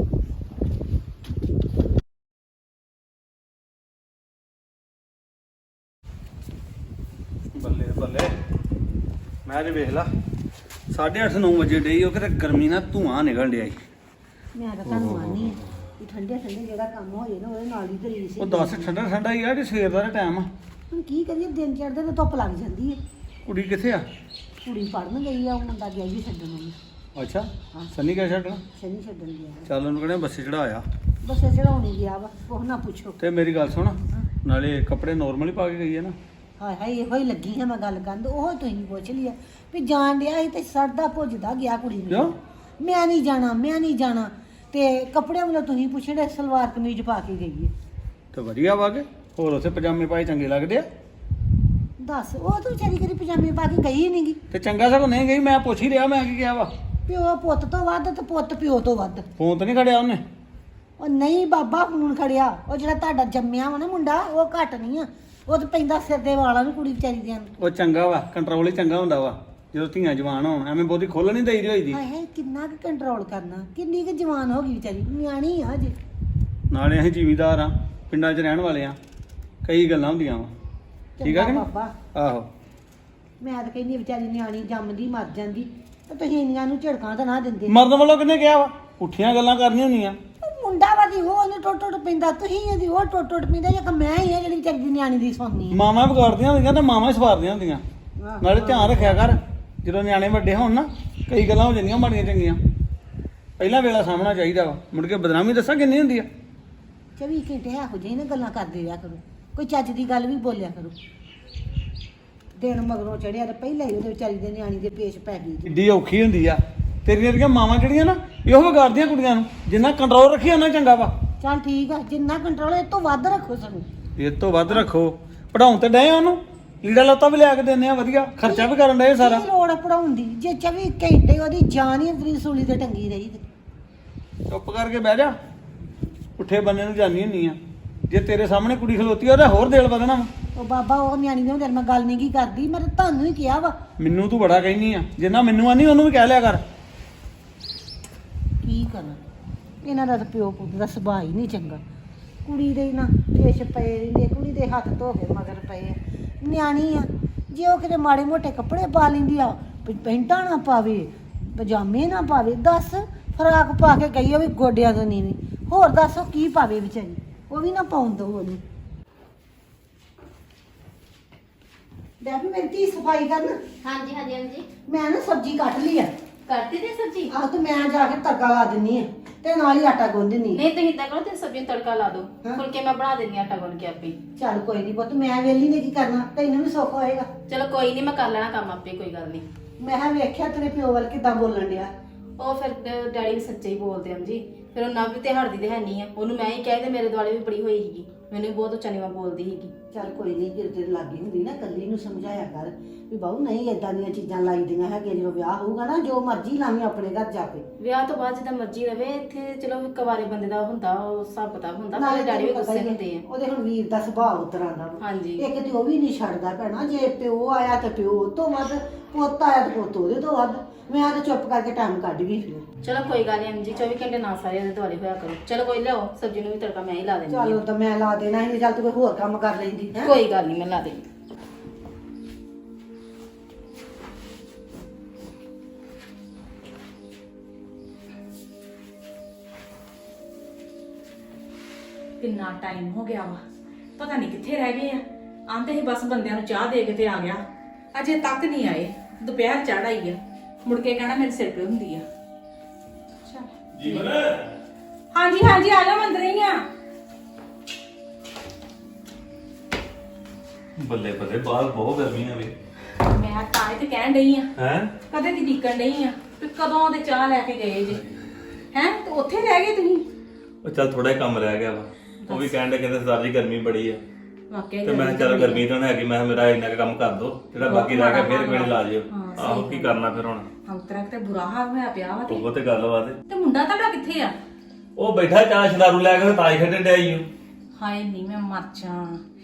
[SPEAKER 5] ਬੱਲੇ ਬੱਲੇ, ਮੈਂ ਜੇ ਵੇਖ ਲਾ 8:30 9 ਵਜੇ ਡਈ, ਉਹ ਕਿਤੇ ਗਰਮੀ ਨਾਲ ਧੂਆਂ ਨਿਕਲ ਡਿਆ ਈ।
[SPEAKER 4] ਮੈਂ ਤਾਂ ਤੁਹਾਨੂੰ ਆਨੀ ਆ ਕਿ ਠੰਡੇ ਠੰਡੇ ਜਿਹੜਾ ਕੰਮ ਹੋ ਜੇ ਨਾ ਉਹਦੇ ਨਾਲ ਹੀ ਤਰੀਸ
[SPEAKER 5] ਉਹ ਦੱਸ ਠੰਡਾ ਠੰਡਾ ਹੀ ਆ ਕਿ ਸਵੇਰ ਦਾ ਟਾਈਮ ਆ?
[SPEAKER 4] ਹੁਣ ਕੀ ਕਰੀਏ, ਦਿਨ ਚੜ੍ਹਦੇ ਤੇ ਧੁੱਪ ਲੱਗ ਜਾਂਦੀ ਹੈ।
[SPEAKER 5] ਕੁੜੀ ਕਿੱਥੇ ਆ?
[SPEAKER 4] ਕੁੜੀ ਪੜਨ ਗਈ ਆ, ਉਹ ਮੁੰਡਾ ਗਿਆ ਜੀ ਛੱਡਣ ਨੂੰ।
[SPEAKER 5] ਅੱਛਾ,
[SPEAKER 4] ਹਾਂ।
[SPEAKER 5] ਸੰਨੀ ਕਿਆ ਛੱਡਣਾ?
[SPEAKER 4] ਸ਼ਨੀ ਛੱਡਣ ਗਿਆ।
[SPEAKER 5] ਚੱਲ ਉਹਨੂੰ ਕਹਿੰਦੇ ਬੱਸੇ ਚੜਾਇਆ।
[SPEAKER 4] ਬਸ ਇਹ ਚੜਾਉਣੀ ਗਿਆ ਵਾ, ਉਹ ਨਾ ਪੁੱਛੋ।
[SPEAKER 5] ਤੇ ਮੇਰੀ ਗੱਲ ਸੁਣ, ਨਾਲੇ ਕੱਪੜੇ ਨੋਰਮਲ ਹੀ ਪਾ ਕੇ ਗਈ ਹੈ ਨਾ?
[SPEAKER 4] ਹਾਏ ਹਾਏ, ਇਹੋ ਹੀ ਲੱਗੀ ਹਾਂ ਮੈਂ ਗੱਲ ਕਰਨ, ਉਹ ਤੁਸੀਂ ਪੁੱਛ ਲਿਆ ਵੀ ਜਾਣ ਡਿਆ ਸੀ ਤੇ ਸੜਦਾ ਭੁੱਜਦਾ ਗਿਆ ਕੁੜੀ ਨੂੰ।
[SPEAKER 5] ਕਿਉਂ?
[SPEAKER 4] ਮੈਂ ਨਹੀਂ ਜਾਣਾ, ਮੈਂ ਨਹੀਂ ਜਾਣਾ। ਤੇ ਕੱਪੜਿਆਂ ਵੱਲੋਂ ਤੁਸੀਂ ਪੁੱਛੜੇ, ਸਲਵਾਰ ਕਮੀਜ਼ ਪਾ ਕੇ ਗਈ ਹੈ।
[SPEAKER 5] ਤੇ ਵਧੀਆ ਵਾ ਕੇ, ਹੋਰ ਉੱਥੇ ਪਜਾਮੇ ਪਾਏ ਚੰਗੇ ਲੱਗਦੇ ਆ?
[SPEAKER 4] ਦੱਸ, ਉਹ ਤਾਂ ਵਿਚਾਰੀ ਕਦੀ ਪਜਾਮੇ ਪਾ ਕੇ ਗਈ ਨਹੀਂਗੀ।
[SPEAKER 5] ਤੇ ਚੰਗਾ ਸਗੋਂ ਨਹੀਂ ਗਈ, ਮੈਂ ਪੁੱਛ ਹੀ ਰਿਹਾ, ਮੈਂ ਕੀ ਕਿਹਾ ਵਾ?
[SPEAKER 4] ਪਿਓ ਪੁੱਤ ਤੋਂ ਵੱਧ ਤੇ ਪੁੱਤ ਪਿਓ ਤੋਂ ਵੱਧ।
[SPEAKER 5] ਫੋਨ ਤਾਂ ਨਹੀਂ ਖੜਿਆ ਉਹਨੇ?
[SPEAKER 4] ਉਹ ਨਹੀਂ ਬਾਬਾ, ਫੋਨ ਖੜਿਆ। ਉਹ ਜਿਹੜਾ ਤੁਹਾਡਾ ਜੰਮਿਆ ਵਾ ਨਾ ਮੁੰਡਾ, ਉਹ ਘੱਟ ਨਹੀਂ ਆ। ਉਹ ਤਾਂ ਪੈਂਦਾ ਸਿਰ ਦੇ ਵਾਲਾਂ ਨੂੰ ਕੁੜੀ ਵਿਚਾਰੀ ਦੇ ਨੂੰ।
[SPEAKER 5] ਉਹ ਚੰਗਾ ਵਾ, ਕੰਟਰੋਲ ਹੀ ਚੰਗਾ ਹੁੰਦਾ ਵਾ ਜਦੋਂ ਧੀਆਂ ਜਵਾਨ ਹੋਣ। ਐਵੇਂ ਬਹੁਤੀ ਖੋਲ ਨਹੀਂ ਦੇਈਦੀ ਹੋਈ ਦੀ।
[SPEAKER 4] ਹਾਏ ਹਾਏ, ਕਿੰਨਾ ਕੁ ਕੰਟਰੋਲ ਕਰਨਾ, ਕਿੰਨੀ ਕੁ ਜਵਾਨ ਹੋ ਗਈ ਵਿਚਾਰੀ, ਨਿਆਣੀ ਆ ਹਜੇ।
[SPEAKER 5] ਨਾਲੇ ਅਸੀਂ ਜ਼ਿਮੀਦਾਰ ਆ, ਪਿੰਡਾਂ 'ਚ ਰਹਿਣ ਵਾਲੇ ਆ, ਕਈ ਗੱਲਾਂ ਹੁੰਦੀਆਂ ਵਾ। ਠੀਕ ਆ ਕਿ
[SPEAKER 4] ਚੰਗਾ
[SPEAKER 5] ਨਹੀਂ?
[SPEAKER 4] ਬਾਬਾ,
[SPEAKER 5] ਆਹੋ।
[SPEAKER 4] ਮੈਂ ਤਾਂ ਕਹਿੰਦੀ ਵਿਚਾਰੀ ਨਿਆਣੀ ਜੰਮਦੀ ਮਰ ਜਾਂਦੀ ਤੇ ਤੁਸੀਂ ਇੰਨੀਆਂ ਨੂੰ ਝੜਕਾਂ ਤਾਂ ਨਾ ਦਿੰਦੇ।
[SPEAKER 5] ਮਰਨ ਵੱਲੋਂ ਕਿਹਨੇ ਕਿਹਾ ਵਾ? ਪੁੱਠੀਆਂ ਗੱਲਾਂ ਕਰਨੀਆਂ ਹੁੰਦੀਆਂ।
[SPEAKER 4] ਉਹ ਮੁੰਡਾ ਵਾ ਦੀ, ਉਹ ਉਹਨੂੰ ਟੁੱਟ ਟੁੱਟ ਪੈਂਦਾ, ਤੁਸੀਂ ਇਹਦੀ ਉਹ ਟੁੱਟ ਟੁੱਟ ਪੈਂਦਾ, ਜਾਂ ਮੈਂ ਹੀ ਆ ਜਿਹੜੀ ਵਿਚਾਰੀ ਦੀ ਨਿਆਣੀ ਦੀ ਸੁਣਨੀ
[SPEAKER 5] ਮਾਵਾਂ ਵਿਗਾੜਦੀਆਂ ਹੁੰਦੀਆਂ ਤੇ ਮਾਵਾਂ ਹੀ ਸਵਾਰਦੀਆਂ ਹੁੰਦੀਆਂ। ਨਾਲੇ ਧਿਆਨ ਰੱਖਿਆ ਕਰ, ਜਦੋਂ ਨਿਆਣੇ ਵੱਡੇ ਹੋਣ ਨਾ, ਕਈ ਗੱਲਾਂ ਹੋ ਜਾਂਦੀਆਂ ਮਾੜੀਆਂ ਚੰਗੀਆਂ। ਪਹਿਲਾਂ ਵੇਲਾ ਸਾਹਮਣਾ ਚਾਹੀਦਾ ਵਾ, ਮੁੜ ਕੇ ਬਦਨਾਮੀ ਦੱਸਾਂ ਕਿੰਨੀ ਹੁੰਦੀ ਆ।
[SPEAKER 4] 24 ਘੰਟੇ ਇਹੋ ਜਿਹੀ ਨਾ ਗੱਲਾਂ ਕਰਦੇ ਰਿਹਾ ਕਰੋ, ਕੋਈ ਚੱਜ ਦੀ ਗੱਲ ਵੀ ਬੋਲਿਆ ਕਰੋ। ਦਿਨ ਮਗਰੋਂ ਚੜਿਆ ਤੇ ਪਹਿਲਾਂ ਹੀ ਉਹਦੇ ਵਿਚਾਰੀ ਦੇ ਨਿਆਣੀ ਦੇ ਪੇਸ਼ ਪੈ ਗਈ।
[SPEAKER 5] ਕਿੱਡੀ ਔਖੀ ਹੁੰਦੀ ਆ। ਤੇਰੀਆਂ ਜਿਹੜੀਆਂ ਮਾਵਾਂ ਜਿਹੜੀਆਂ ਨਾ, ਇਹੋ ਵਿਗਾੜਦੀਆਂ ਕੁੜੀਆਂ ਨੂੰ। ਜਿੰਨਾ ਕੰਟਰੋਲ ਰੱਖੀ ਉਹਨਾਂ ਚੰਗਾ ਵਾ।
[SPEAKER 4] ਚੱਲ ਠੀਕ ਆ, ਜਿੰਨਾ ਕੰਟਰੋਲ ਇਹ ਤੋਂ ਵੱਧ ਰੱਖੋ ਸਾਨੂੰ।
[SPEAKER 5] ਇਹ ਤੋਂ ਵੱਧ ਰੱਖੋ। ਪੜਾਉਣ ਤੇ ਡਏ ਆ ਉਹਨੂੰ, ਲੀੜਾ ਲੱਤਾ ਵੀ ਲਿਆ ਕੇ ਦਿੰਦੇ ਆ ਵਧੀਆ, ਖਰਚਾ ਵੀ ਕਰਨ ਡਏ ਸਾਰਾ।
[SPEAKER 4] ਕੀ ਲੋੜ ਪੜਾਉਣ ਦੀ, ਜੇ 24 ਘੰਟੇ ਉਹਦੀ ਜਾਨ ਹੀ ਅੰਦਰੀ ਸੂਲੀ ਤੇ ਟੰਗੀ ਰਹੀ ਤੇ।
[SPEAKER 5] ਚੁੱਪ ਕਰਕੇ ਬਹਿ ਜਾ, ਪੁੱਠੇ ਬੰਨੇ ਨੂੰ ਜਾਨੀ ਹੁੰਨੀ ਆ। ਜੇ ਤੇਰੇ ਸਾਹਮਣੇ ਕੁੜੀ ਖਲੋਤੀ ਆ, ਉਹਦਾ ਹੋਰ ਦਿਲ ਵਧਣਾ ਵਾ।
[SPEAKER 4] ਉਹ ਬਾਬਾ, ਉਹ ਨਿਆਣੀ ਦੇ ਹੁੰਦੇ ਮੈਂ ਗੱਲ ਨਹੀਂ ਕੀ ਕਰਦੀ, ਮੈਂ ਤਾਂ ਤੁਹਾਨੂੰ ਹੀ ਕਿਹਾ ਵਾ।
[SPEAKER 5] ਮੈਨੂੰ ਤੂੰ ਬੜਾ ਕਹਿਨੀ ਆ, ਜਿੰਨਾ ਮੈਨੂੰ ਆਨੀ ਉਹਨੂੰ ਵੀ ਕਹਿ ਲਿਆ ਕਰ।
[SPEAKER 4] ਕੀ ਕਰਾਂ, ਇਹਨਾਂ ਦਾ ਤਾਂ ਪਿਓ ਪੁੱਤ ਦਾ ਸੁਭਾਅ ਹੀ ਨਹੀਂ ਚੰਗਾ। ਕੁੜੀ ਦੇ ਨਾ ਪੇਸ਼ ਪਏ ਰਹਿੰਦੇ, ਕੁੜੀ ਦੇ ਹੱਥ ਧੋ ਕੇ ਮਗਰ ਪਏ ਆ। ਨਿਆਣੀ ਆ, ਜੇ ਉਹ ਕਿਤੇ ਮਾੜੇ ਮੋਟੇ ਕੱਪੜੇ ਪਾ ਲੈਂਦੀ ਆ, ਪੈਂਟਾਂ ਨਾ ਪਾਵੇ, ਪਜਾਮੇ ਨਾ ਪਾਵੇ, ਦੱਸ ਫਰਾਕ ਪਾ ਕੇ ਗਈ ਉਹ ਵੀ ਗੋਡਿਆਂ ਤੋਂ ਨੀਵੀਂ, ਹੋਰ ਦੱਸ ਉਹ ਕੀ ਪਾਵੇ ਵਿਚਾਰੀ, ਉਹ ਵੀ ਨਾ ਪਾਉਣ ਦੋ ਉਹਨੂੰ। ਡੈਡੀ ਮੇਰੀ ਧੀ ਸਫਾਈ ਕਰਨ।
[SPEAKER 1] ਹਾਂਜੀ ਹਾਂਜੀ ਹਾਂਜੀ,
[SPEAKER 4] ਮੈਂ ਨਾ ਸਬਜ਼ੀ ਕੱਟ ਲਈ ਆ।
[SPEAKER 1] ਕਰਤੀ ਤੇ ਸਬਜੀ?
[SPEAKER 4] ਆਹ ਤੇ ਮੈਂ ਜਾ ਕੇ ਤੜਕਾ ਲਾ ਦਿੰਨੀ ਆ ਤੇ ਨਾਲ ਹੀ ਆਟਾ ਗੁੰਨ ਦਿੰਨੀ ਆ।
[SPEAKER 1] ਨਹੀਂ ਤੁਸੀਂ ਇਦਾਂ ਕਰੋ, ਤੇ ਸਬਜ਼ੀ ਨੂੰ ਤੜਕਾ ਲਾ ਦਿਓ,
[SPEAKER 4] ਹਾਂ।
[SPEAKER 1] ਫੁਲਕੇ ਮੈਂ ਬਣਾ ਦਿੰਦੀ ਹਾਂ ਆਟਾ ਗੁੰਨ ਕੇ ਆਪੇ।
[SPEAKER 4] ਚੱਲ ਕੋਈ ਨਹੀਂ ਪੁੱਤ, ਮੈਂ ਵੇਲੀ ਨੇ ਕੀ ਕਰਨਾ, ਤੈਨੂੰ ਵੀ ਸੁੱਖ ਹੋਏਗਾ।
[SPEAKER 1] ਚਲੋ ਕੋਈ ਨਹੀਂ, ਮੈਂ ਕਰ ਲੈਣਾ ਕੰਮ ਆਪੇ, ਕੋਈ ਗੱਲ ਨਹੀਂ।
[SPEAKER 4] ਮੈਂ ਕਿਹਾ ਵੇਖਿਆ ਤੇਰੇ ਪਿਓ ਵੱਲ ਕਿੱਦਾਂ ਬੋਲਣ ਡਿਆ,
[SPEAKER 1] ਉਹ ਫਿਰ ਡੈਡੀ ਵੀ ਸੱਚੇ ਹੀ ਬੋਲਦੇ ਹਨ ਜੀ। ਫਿਰ ਉਹ ਨਵ ਤੇ ਹੜਦੀ ਤੇ ਹੈ ਨਹੀਂ ਆ, ਉਹਨੂੰ ਮੈਂ ਹੀ ਕਹਿ ਤੇ ਮੇਰੇ ਦੁਆਲੇ ਵੀ ਬੜੀ ਹੋਈ ਸੀਗੀ, ਮੈਨੂੰ ਵੀ ਬਹੁਤ ਉੱਚਾ ਨੀਵਾਂ ਬੋਲਦੀ ਸੀਗੀ।
[SPEAKER 4] ਚੱਲ ਕੋਈ ਨਹੀਂ, ਜੇ ਤੇਰੇ ਲਾਗੇ ਹੁੰਦੀ ਨਾ ਕੱਲੀ ਨੂੰ ਸਮਝਾਇਆ ਕਰ ਵੀ ਬਾਹੂ ਨਹੀਂ ਏਦਾਂ ਦੀਆਂ ਚੀਜ਼ਾਂ ਲਾਈਦੀਆਂ ਹੈਗੀਆਂ। ਜਦੋਂ ਵਿਆਹ ਹੋਊਗਾ ਨਾ ਜੋ ਮਰਜ਼ੀ ਲਾਵੀਂ ਆਪਣੇ ਘਰ ਜਾ ਕੇ।
[SPEAKER 1] ਵਿਆਹ ਤੋਂ ਬਾਅਦ ਜਿੱਦਾਂ ਮਰਜ਼ੀ ਰਵੇ, ਇੱਥੇ ਚਲੋ ਕੁਆਰੇ ਬੰਦੇ ਦਾ ਹੁੰਦਾ ਉਹ ਹਿਸਾਬ ਕਿਤਾਬ ਹੁੰਦਾ,
[SPEAKER 4] ਨਾਲੇ
[SPEAKER 1] ਪਰ ਡੈਡੀ ਵੀ
[SPEAKER 4] ਤੈਨੂੰ ਪਤਾ
[SPEAKER 1] ਗੁੱਸੇ
[SPEAKER 4] ਹੀ ਹੈ,
[SPEAKER 1] ਹੁੰਦੇ ਆ।
[SPEAKER 4] ਉਹਦੇ ਹੁਣ ਵੀਰ ਦਾ ਸੁਭਾਅ ਉਤਰਾਂ ਦਾ ਵਾ।
[SPEAKER 1] ਹਾਂਜੀ
[SPEAKER 4] ਇੱਕ ਤੇ ਉਹ ਵੀ ਨਹੀਂ ਛੱਡਦਾ ਭੈਣਾ, ਜੇ ਪਿਓ ਆਇਆ ਤੇ ਪਿਓ ਉਹ ਤੋਂ ਵੱਧ, ਪੁੱਤ ਆਇਆ ਤੇ ਪੁੱਤ ਉਹਦੇ ਤੋਂ ਵੱਧ। ਮੈਂ ਤਾਂ ਚੁੱਪ ਕਰਕੇ ਟਾਈਮ ਕੱਢ ਗਈ ਫਿਰ।
[SPEAKER 1] ਚਲੋ ਕੋਈ ਗੱਲ ਨਹੀਂ ਜੀ, 24 ਘੰਟੇ ਨਾ ਸਾਰੇ ਉਹਦੇ ਦੁਆਲੇ ਹੋਇਆ ਕਰੋ। ਚਲੋ ਕੋਈ ਲਿਆਓ ਸਬਜ਼ੀ ਨੂੰ ਵੀ ਤੜਕਾ ਮੈਂ ਹੀ ਲਾ ਦੇਣੀ
[SPEAKER 4] ਚੱਲ ਤਾਂ ਮੈਂ ਲਾ ਦੇਣਾ ਸੀ, ਚੱਲ ਤੂੰ ਕੋਈ ਹੋਰ ਕੰਮ ਕਰ ਲੈਂਦੀ ਹੈ।
[SPEAKER 1] ਕੋਈ ਗੱਲ ਨਹੀਂ, ਮੈਂ ਲਾ ਦੇਣੀ।
[SPEAKER 6] ਕਿੰਨਾ ਟਾਈਮ ਹੋ ਗਿਆ ਵਾ, ਪਤਾ ਨਹੀਂ ਕਿੱਥੇ ਰਹਿ ਗਏ ਆ। ਆਂਦੇ ਹੀ ਬਸ ਬੰਦਿਆਂ ਨੂੰ ਚਾਹ ਦੇ ਕੇ ਤੇ ਆ ਗਿਆ, ਅਜੇ ਤੱਕ ਨਹੀਂ ਆਏ। ਦੁਪਹਿਰ ਚੜ ਆਈ ਆ, ਮੁੜ ਕੇ ਕਹਿਣਾ ਮੇਰੇ ਸਿਰ ਪੀੜ ਹੁੰਦੀ ਆ।
[SPEAKER 7] ਜੀਵਨ
[SPEAKER 6] ਹਾਂਜੀ ਹਾਂਜੀ, ਆ ਜਾ, ਮੈਂ ਅੰਦਰ ਹੀ ਆ।
[SPEAKER 7] ਬੱਲੇ ਬੱਲੇ, ਬਾਹਰ ਬਹੁਤ ਗਰਮੀ ਆ ਵੇ।
[SPEAKER 6] ਮੈਂ ਤਾਂ ਇਹ ਤੇ ਕਹਿਣ ਡਈ ਆ,
[SPEAKER 7] ਹੈ
[SPEAKER 6] ਕਦੇ ਦੀ ਟਿਕਣ ਡਈ ਆ ਵੀ ਕਦੋਂ ਦੇ ਚਾਹ ਲੈ ਕੇ ਗਏ ਜੇ। ਹੈ ਤੇ ਉੱਥੇ ਰਹਿ ਗਏ ਤੁਸੀਂ?
[SPEAKER 7] ਉਹ ਚੱਲ ਥੋੜਾ ਕੰਮ ਰਹਿ ਗਿਆ ਵਾ, ਉਹ ਵੀ ਕਹਿੰਦੇ ਸਰਦਾਰ ਜੀ ਗਰਮੀ ਬੜੀ ਆ,
[SPEAKER 6] ਵਾਕਿਆ
[SPEAKER 7] ਤੇ ਮੈਂ ਕਿਹਾ ਚੱਲ ਗਰਮੀ ਤਾਂ ਹੈਗੀ, ਮੈਂ ਕਿਹਾ ਮੇਰਾ ਇੰਨਾ ਕੁ ਕੰਮ ਕਰ ਦੋ, ਜਿਹੜਾ ਬਾਕੀ ਰਹਿ ਗਿਆ ਫੇਰ ਕੋਈ ਲਾ ਜਿਓ। ਆਹੋ ਕੀ ਕਰਨਾ ਫਿਰ ਹੁਣ,
[SPEAKER 6] ਹੰਤਰਾ ਤੇ ਬੁਰਾ ਹਾਲ ਹੋਇਆ ਪਿਆ ਵਾ।
[SPEAKER 7] ਉਹ ਤੇ ਗੱਲ ਵਾ
[SPEAKER 6] ਤੇ ਮੁੰਡਾ ਤੁਹਾਡਾ ਕਿੱਥੇ ਆ?
[SPEAKER 7] ਉਹ ਬੈਠਾ ਚਾਹ ਛਦਾਰੂ ਲੈ ਕੇ ਤਾਈ ਖੇਡਣ ਡਿਆ ਈ ਓ।
[SPEAKER 6] ਹਾਏ ਨਹੀਂ, ਮੈਂ ਮਰ ਜਾ।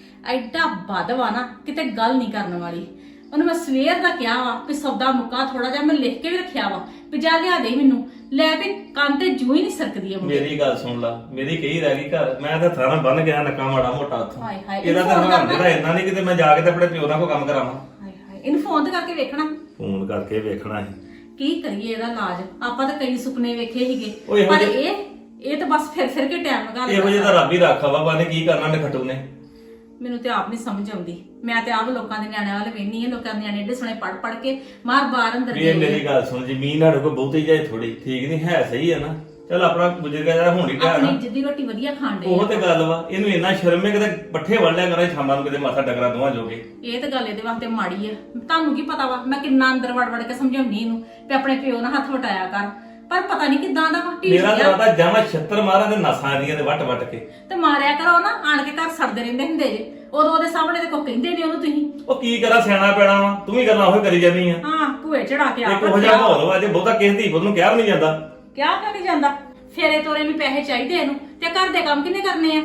[SPEAKER 6] ਐਡਾ ਵੱਧ ਵਾ ਨਾ, ਕਿਤੇ ਗੱਲ ਨਹੀਂ ਕਰਨ ਵਾਲੀ। ਉਹਨੂੰ ਮੈਂ ਸਵੇਰ ਦਾ ਕਿਹਾ ਵਾ ਵੀ ਸੌਦਾ ਮੁੱਕਾ ਥੋੜਾ ਜਿਹਾ, ਮੈਂ ਲਿਖ ਕੇ ਵੀ ਰੱਖਿਆ ਵਾ ਵੀ ਜਾ ਲਿਆ ਦੇ ਮੈਨੂੰ, ਲੈ ਵੀ ਕੰਨ ਤੇ ਜੂ ਹੀ ਨਹੀਂ ਸਰਕਦੀ ਆ ਮੁੰਡੇ।
[SPEAKER 7] ਮੇਰੀ ਗੱਲ ਸੁਣ ਲਾ, ਮੇਰੀ ਕਹੀ ਰਹਿ ਗਈ ਘਰ, ਮੈਂ ਤਾਂ ਥਾਣਾ ਬੰਨ ਗਿਆ ਨੱਕਾ ਮਾੜਾ ਮੋਟਾ ਉੱਥੋਂ।
[SPEAKER 6] ਹਾਏ ਹਾਏ,
[SPEAKER 7] ਇਹਦਾ ਤਾਂ ਹਰਾਮ ਜਿਹੜਾ ਇੰਨਾ ਨਹੀਂ ਕਿਤੇ ਮੈਂ ਜਾ ਕੇ ਤੇ ਆਪਣੇ ਪਿਓ ਨਾਲ ਕੋਈ ਕੰਮ ਕਰਾਵਾਂ।
[SPEAKER 6] ਹਾਏ ਹਾਏ, ਇਹਨੂੰ ਫੋਨ ਤੇ ਕਰਕੇ ਵੇਖਣਾ
[SPEAKER 7] ਫੋਨ ਕਰਕੇ ਵੇਖਣਾ ਸੀ।
[SPEAKER 6] ਕੀ ਕਰੀਏ ਇਹਦਾ ਇਲਾਜ। ਆਪਾਂ ਤਾਂ ਕਈ ਸੁਪਨੇ ਵੇਖੇ ਸੀਗੇ,
[SPEAKER 7] ਉਹ ਇਹੋ
[SPEAKER 6] ਪਰ
[SPEAKER 7] ਜਿਹੇ-
[SPEAKER 6] ਇਹ ਤਾਂ ਬਸ ਫਿਰ ਕੇ ਟਾਈਮ ਲਗਾ
[SPEAKER 7] ਇਹੋ ਜਿਹਾ ਤਾਂ ਰੱਬ ਹੀ ਰੱਖਾ ਵਾ, ਬਾਨੇ ਕੀ ਕਰਨਾ ਨਖੱਟੂ ਨੇ।
[SPEAKER 6] ਮੈਨੂੰ ਤੇ ਆਪ ਨਹੀਂ ਸਮਝ ਆਉਂਦੀ। ਮੈਂ ਤੇ ਆਪ ਲੋਕਾਂ ਦੇ ਨਿਆਣਿਆਂ ਵੱਲ ਵੇਖਨੀ ਆ, ਲੋਕਾਂ ਦੇ ਨਿਆਣੇ ਏਡੇ ਸੋਹਣੇ ਪੜ ਕੇ ਮਾਰ ਬਾਹਰ ਅੰਦਰ
[SPEAKER 7] ਵੀ ਇਹ
[SPEAKER 6] ਗਏ।
[SPEAKER 7] ਮੇਰੀ ਗੱਲ ਸੁਣ, ਜ਼ਮੀਨ ਸਾਡੇ ਕੋਲ ਬਹੁਤੀ ਜਾਏ ਥੋੜੀ, ਠੀਕ ਨਹੀਂ ਹੈ, ਸਹੀ ਹੈ ਨਾ। ਚਲ ਆਪਣਾ ਗੁਜ਼ਰ ਗਿਆ ਜਿਹੜਾ ਹੁਣ ਹੀ ਟਾਈਮ
[SPEAKER 6] ਆਪਣੀ
[SPEAKER 7] ਨਾ,
[SPEAKER 6] ਜਿੱਦੀ ਰੋਟੀ ਵਧੀਆ ਖਾਣ ਦੇ।
[SPEAKER 7] ਉਹ ਤੇ ਗੱਲ ਵਾ। ਇਹਨੂੰ ਇੰਨਾ ਸ਼ਰਮ ਹੈ ਕਿਤੇ ਪੱਠੇ ਵੜ ਲਿਆ ਕਰਾਂ ਸ਼ਾਮਾਂ ਨੂੰ, ਕਿਤੇ ਮਾਥਾ ਡਗਰਾ ਦੋਵਾਂ ਜੋਗੇ।
[SPEAKER 6] ਇਹ ਤਾਂ ਗੱਲ ਇਹਦੇ ਵਾਸਤੇ ਮਾੜੀ ਆ। ਤੁਹਾਨੂੰ ਕੀ ਪਤਾ ਵਾ ਮੈਂ ਕਿੰਨਾ ਅੰਦਰ ਵੜ ਕੇ ਸਮਝਾਉਣੀ ਇਹਨੂੰ ਤੇ ਆਪਣੇ ਪਿਓ ਨਾਲ ਹੱਥ ਵਟਾਇਆ ਕਰ, ਪਰ ਪਤਾ ਨਹੀਂ ਕਿਦਾਂ ਦਾ ਢੀਠ
[SPEAKER 7] ਮੇਰਾ
[SPEAKER 6] ਜਿਹਾ।
[SPEAKER 7] ਤਾਂ ਜਾਵਾਂ 76 ਮਾਰਾਂ ਦੇ ਨਸਾਂ ਦੀਆਂ ਤੇ ਵੱਟ ਕੇ।
[SPEAKER 6] ਤੇ ਮਾਰਿਆ ਕਰੋ ਨਾ, ਆਣ ਕੇ ਘਰ ਸੜਦੇ ਰਹਿੰਦੇ ਹੁੰਦੇ ਜੇ। ਉਦੋਂ ਉਹਦੇ ਸਾਹਮਣੇ ਤੇ ਕੋਈ ਕਹਿੰਦੇ ਨਹੀਂ ਉਹਨੂੰ ਤੁਸੀਂ।
[SPEAKER 7] ਉਹ ਕੀ ਕਰਾਂ, ਸਿਆਣਾ ਪੈਣਾ ਵਾ, ਤੂੰ ਵੀ ਗੱਲਾਂ ਉਹੀ ਕਰੀ ਜਾਂਦੀ ਆ।
[SPEAKER 6] ਹਾਂ, ਭੂਏ ਚੜਾ ਕੇ
[SPEAKER 7] ਇੱਕ ਉਹ ਜਿਹਾ ਮਾਹੌਲ ਵਾ, ਜੇ ਬਹੁਤਾ ਕਿਸੇ ਧੀ ਪੁੱਤ ਨੂੰ ਕਿਹਾ ਵੀ ਨਹੀਂ ਜਾਂਦਾ।
[SPEAKER 6] ਕਿਆ ਕਰੀ ਜਾਂਦਾ? ਫੇਰੇ ਤੋਰੇ ਨੂੰ ਪੈਸੇ ਚਾਹੀਦੇ ਇਹਨੂੰ, ਤੇ ਘਰ ਦੇ ਕੰਮ ਕਿੰਨੇ ਕਰਨੇ ਆ?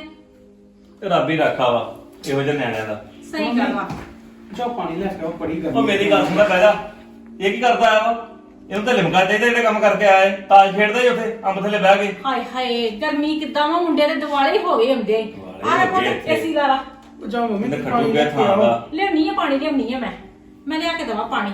[SPEAKER 7] ਤੇ ਰੱਬ ਹੀ ਰੱਖਾ ਵਾ ਇਹੋ ਜਿਹੇ ਨਿਆਣਿਆਂ ਦਾ।
[SPEAKER 6] ਸਹੀ ਗੱਲ ਵਾ।
[SPEAKER 3] ਜਾ ਪਾਣੀ ਲੈ ਕੇ ਆਓ, ਬੜੀ
[SPEAKER 7] ਉਹ ਮੇਰੀ ਗੱਲ ਸੁਣਦਾ ਪਹਿਲਾਂ, ਇਹ ਕੀ ਕਰਦਾ ਆ ਵਾ? ਇਹਨੂੰ ਤਾਂ ਲਿਮਕਾ ਚਾਹੀਦਾ ਜਿਹੜੇ ਕੰਮ ਕਰਕੇ ਆਏ। ਤਾਸ਼ ਖੇਡਦਾ ਹੀ ਉੱਥੇ ਅੰਬ ਥੱਲੇ ਬਹਿ ਕੇ।
[SPEAKER 6] ਹਾਏ ਹਾਏ, ਗਰਮੀ ਕਿੱਦਾਂ ਵਾ, ਮੁੰਡੇ ਦੇ ਦਿਵਾਲੇ ਹੀ ਹੋ ਗਏ ਹੁੰਦੇ ਆ।
[SPEAKER 7] ਹੋ ਗਏ ਇੱਥੇ।
[SPEAKER 6] ਏਸੀ ਲਾ ਲਾ।
[SPEAKER 3] ਜਾ ਮੰਮੀ
[SPEAKER 7] ਇਹਨੇ
[SPEAKER 3] ਤੂੰ
[SPEAKER 7] ਖੱਟੂ
[SPEAKER 3] ਪਾਣੀ
[SPEAKER 7] ਗਿਆ
[SPEAKER 3] ਲੈ ਕੇ
[SPEAKER 7] ਥਾਂ
[SPEAKER 3] ਆਓ।
[SPEAKER 7] ਦਾ।
[SPEAKER 6] ਲਿਆਉਣੀ ਆ ਪਾਣੀ, ਲਿਆਉਣੀ ਆ ਮੈਂ ਲਿਆ ਕੇ ਦਵਾਂ ਪਾਣੀ।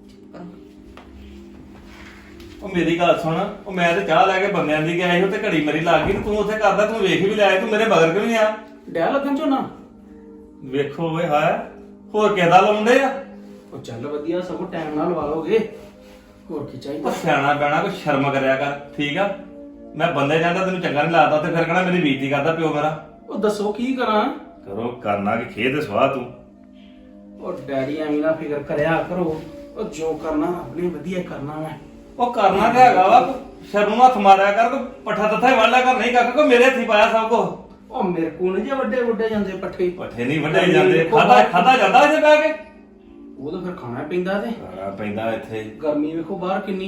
[SPEAKER 7] ਉਹ ਮੇਰੀ ਗੱਲ ਸੁਣ, ਉਹ ਮੈਂ ਤੇ ਚਾਹ ਲੈ ਕੇ ਬੰਦਿਆਂ ਦੀ ਗਿਆ ਸੀ, ਤੇ ਘੜੀ ਮਰੀ ਲੱਗ ਗਈ, ਤੇ ਤੂੰ ਉੱਥੇ ਕਰਦਾ, ਤੂੰ ਵੇਖ ਵੀ ਲਿਆ, ਤੂੰ ਮੇਰੇ ਮਗਰ ਕਿਉਂ ਨਹੀਂ ਆ?
[SPEAKER 3] ਡੈ ਲੱਗਣ ਝੋਨਾ।
[SPEAKER 7] ਵੇਖੋ ਓਏ ਹਾਏ, ਹੋਰ ਕਿਹਦਾ ਲਾਉਂਦੇ ਆ?
[SPEAKER 3] ਉਹ ਚੱਲ ਵਧੀਆ, ਸਗੋਂ ਟਾਈਮ ਨਾਲ ਲਵਾ ਲੋਗੇ, ਹੋਰ ਕੀ
[SPEAKER 7] ਉਹ
[SPEAKER 3] ਚਾਹੀਦਾ।
[SPEAKER 7] ਸਿਆਣਾ ਪੈਣਾ, ਕੋਈ ਸ਼ਰਮ ਕਰਿਆ ਕਰ, ਠੀਕ ਆ? ਮੈਂ ਬੰਦੇ ਜਾਂਦਾ ਤੈਨੂੰ ਚੰਗਾ ਨਹੀਂ ਲੱਗਦਾ, ਤੇ ਫਿਰ ਕਹਣਾ ਮੇਰੀ ਬੇਇੱਜ਼ਤੀ ਕਰਦਾ ਪਿਓ ਮੇਰਾ।
[SPEAKER 3] ਉਹ ਦੱਸੋ ਕੀ ਕਰਾਂ।
[SPEAKER 7] ਕਰੋ ਕਰਨਾ ਕਿ ਖੇਦ ਸਵਾਹ ਤੂੰ।
[SPEAKER 3] ਉਹ ਡੈਡੀ ਐਵੇਂ ਨਾ ਫਿਕਰ ਕਰਿਆ ਕਰੋ, ਉਹ ਜੋ ਕਰਨਾ ਆਪਣੇ ਵਧੀਆ ਕਰਨਾ ਮੈਂ।
[SPEAKER 7] ਉਹ ਕਰਨਾ ਤੇ ਹੈਗਾ ਵਾ, ਸ਼ਰਮ ਨੂੰ ਹੱਥ ਮਾਰਿਆ ਕਰ, ਕੋਈ ਪੱਠਾ ਤੱਥਾ ਹੀ ਵੜ ਲਿਆ ਕਰ, ਨਹੀਂ ਕਾਕਾ ਕੋਈ ਮੇਰੇ ਹੱਥੀ ਪਾਇਆ ਸਭ ਕੁਝ।
[SPEAKER 3] ਉਹ ਮੇਰੇ ਕੋਲ ਨੀ ਜੇ ਵੱਡੇ ਜਾਂਦੇ ਪੱਠੇ।
[SPEAKER 7] ਪੱਠੇ ਨਹੀਂ ਵੱਢੇ ਜਾਂਦੇ, ਖਾਦਾ ਜਾਂਦਾ ਇੱਥੇ ਬਹਿ ਕੇ।
[SPEAKER 3] ਉਹ ਤਾਂ ਫਿਰ ਖਾਣਾ ਪੈਂਦਾ ਤੇ
[SPEAKER 7] ਖਾਣਾ ਪੈਂਦਾ ਇੱਥੇ।
[SPEAKER 3] ਗਰਮੀ ਵੇਖੋ ਬਾਹਰ ਕਿੰਨੀ।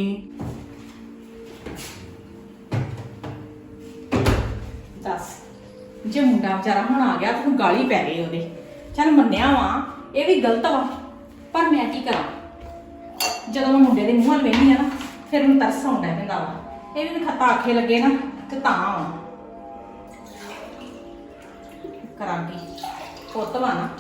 [SPEAKER 6] ਦੱਸ, ਜੇ ਮੁੰਡਾ ਵਿਚਾਰਾ ਹੁਣ ਆ ਗਿਆ ਤੈਨੂੰ ਗਾਲੀ ਪੈ ਗਈ ਉਹਦੇ। ਚੱਲ ਮੰਨਿਆ ਵਾ ਇਹ ਵੀ ਗਲਤ ਵਾ, ਪਰ ਮੈਂ ਕੀ ਕਰਾਂ? ਜਦੋਂ ਮੈਂ ਮੁੰਡੇ ਦੇ ਮੂੰਹ ਵੱਲ ਵੇਖਦੀ ਆ ਨਾ, ਫਿਰ ਮੈਨੂੰ ਤਰਸ ਆਉਂਦਾ ਪੈਂਦਾ ਵਾ। ਇਹ ਵੀ ਖੱਤਾ ਆਖੇ ਲੱਗੇ ਨਾ ਤੇ ਤਾਂ ਆਉਣਾ ਕਰਾਂਗੀ। ਪੁੱਤ ਵਾ ਨਾ।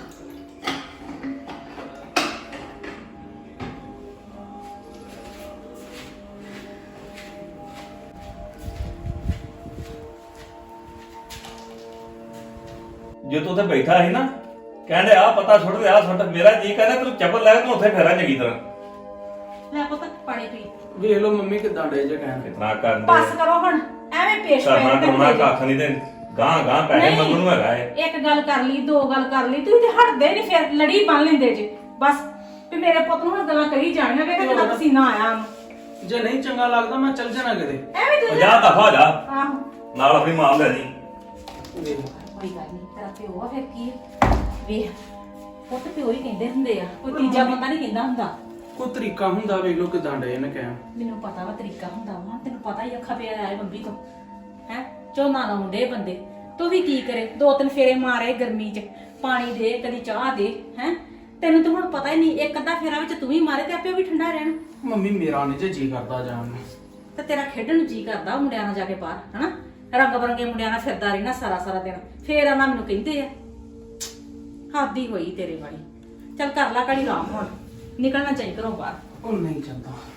[SPEAKER 7] ਜੇ ਤੂੰ ਉੱਥੇ ਬੈਠਾ ਸੀ ਨਾ, ਕਹਿੰਦੇ ਆ ਪਤਾ ਸੁੱਟ ਤੇ ਆ ਸੁੱਟ, ਮੇਰਾ ਜੀ ਕਹਿੰਦਾ ਤੂੰ ਚੱਪਲ ਲੈ ਤੂੰ ਉੱਥੇ ਫੇਰਾਂ ਚੰਗੀ ਤਰ੍ਹਾਂ।
[SPEAKER 6] ਲੈ ਪੁੱਤ ਪਾਣੀ ਪੀ।
[SPEAKER 3] ਵੇਖ ਲਓ ਮੰਮੀ ਕਿਦਾਂ ਡੇ ਜੇ ਕਹਿਣ।
[SPEAKER 7] ਕਿਤਨਾ ਕਰਦੇ
[SPEAKER 6] ਬਸ ਕਰੋ ਹੁਣ, ਐਵੇਂ ਪੇਸ਼
[SPEAKER 7] ਕਰਨਾ
[SPEAKER 6] ਪਏ
[SPEAKER 7] ਕਰਨਾ ਕੱਖ ਨਹੀਂ, ਤੇ ਗਾਂ ਪੈਸੇ
[SPEAKER 6] ਨਹੀਂ।
[SPEAKER 7] ਮੰਗਣ ਨੂੰ ਹੈਗਾ ਏ।
[SPEAKER 6] ਇੱਕ ਗੱਲ ਕਰ ਲਈ, ਦੋ ਗੱਲ ਕਰ ਲਈ, ਤੁਸੀਂ ਤੇ ਹਟਦੇ ਨਹੀਂ, ਫਿਰ ਲੜੀ ਬੰਨ ਲੈਂਦੇ ਜੇ। ਬਸ ਵੀ ਮੇਰੇ ਪੁੱਤ ਨੂੰ ਹੁਣ ਗੱਲਾਂ ਕਰੀ ਜਾਣੀਆਂ, ਵੇਖ ਕਿੰਨਾ ਪਸੀਨਾ ਆਇਆ ਉਹਨੂੰ।
[SPEAKER 8] ਜੇ ਨਹੀਂ ਚੰਗਾ ਲੱਗਦਾ ਮੈਂ ਚੱਲ ਜਾਣਾ ਕਿਤੇ।
[SPEAKER 6] ਐਵੇਂ ਤੂੰ
[SPEAKER 7] ਜਾ ਦਫਾ ਹੋ ਜਾ
[SPEAKER 6] ਆਹੋ
[SPEAKER 7] ਨਾਲ ਆਪਣੀ ਮਾਂ ਨੂੰ ਲੈ ਜੀ।
[SPEAKER 6] ਕੋਈ ਗੱਲ ਨਹੀਂ ਤੇਰਾ ਪਿਓ ਆ ਫਿਰ ਕੀ ਆ? ਵੇਖ ਪੁੱਤ ਪਿਓ ਹੀ ਕਹਿੰਦੇ ਹੁੰਦੇ ਆ, ਕੋਈ ਤੀਜਾ ਬੰਦਾ ਨਹੀਂ ਕਹਿੰਦਾ ਹੁੰਦਾ।
[SPEAKER 8] ਕੋਈ ਤਰੀਕਾ ਹੁੰਦਾ ਵੇਖ ਲੋ ਕਿਦਾਂ ਡੇ ਨੇ ਕਹਿ।
[SPEAKER 6] ਮੈਨੂੰ ਪਤਾ ਵਾ ਤਰੀਕਾ ਹੁੰਦਾ ਵਾ, ਤੈਨੂੰ ਪਤਾ ਹੀ ਅੱਖਾਂ ਪਿਆ ਆਏ ਬੰਬੀ ਤੋਂ ਹੈ ਝੋਨਾ ਲਾਉਣ ਡੇ ਬੰਦੇ, ਤੂੰ ਵੀ ਕੀ ਕਰੇ, 2-3 ਫੇਰੇ ਮਾਰੇ ਗਰਮੀ 'ਚ, ਪਾਣੀ ਦੇ ਕਦੀ ਚਾਹ ਦੇ ਹੈ। ਤੈਨੂੰ ਤਾਂ ਹੁਣ ਪਤਾ ਹੀ ਨਹੀਂ, ਇੱਕ ਅੱਧਾ ਫੇਰਾ ਵਿੱਚ ਤੂੰ ਵੀ ਮਾਰੇ ਤੇ ਆਪੇ ਵੀ ਠੰਡਾ ਰਹਿਣ।
[SPEAKER 8] ਮੰਮੀ ਮੇਰਾ ਨਹੀਂ ਜੇ ਜੀ ਕਰਦਾ ਜਾਣ ਨੂੰ।
[SPEAKER 6] ਤੇ ਤੇਰਾ ਖੇਡਣ ਨੂੰ ਜੀ ਕਰਦਾ ਮੁੰਡਿਆਂ ਨਾਲ ਜਾ ਕੇ ਬਾਹਰ, ਹਨਾ ਰੰਗ ਬਰੰਗੇ ਮੁੰਡਿਆਂ ਨਾਲ ਫਿਰਦਾ ਰਹਿਣਾ ਸਾਰਾ ਦਿਨ, ਫੇਰ ਆਣਾ ਮੈਨੂੰ ਕਹਿੰਦੇ ਆ। ਹੱਦ ਹੀ ਹੋਈ ਤੇਰੇ ਵਾਲੀ। ਚੱਲ ਕਰ ਲਾ ਘੜੀ ਆਰਾਮ, ਹੁਣ ਨਿਕਲਣਾ ਚਾਹੀਦਾ ਘਰੋਂ ਬਾਹਰ।
[SPEAKER 8] ਉਹ ਨਹੀਂ ਜਾਂਦਾ।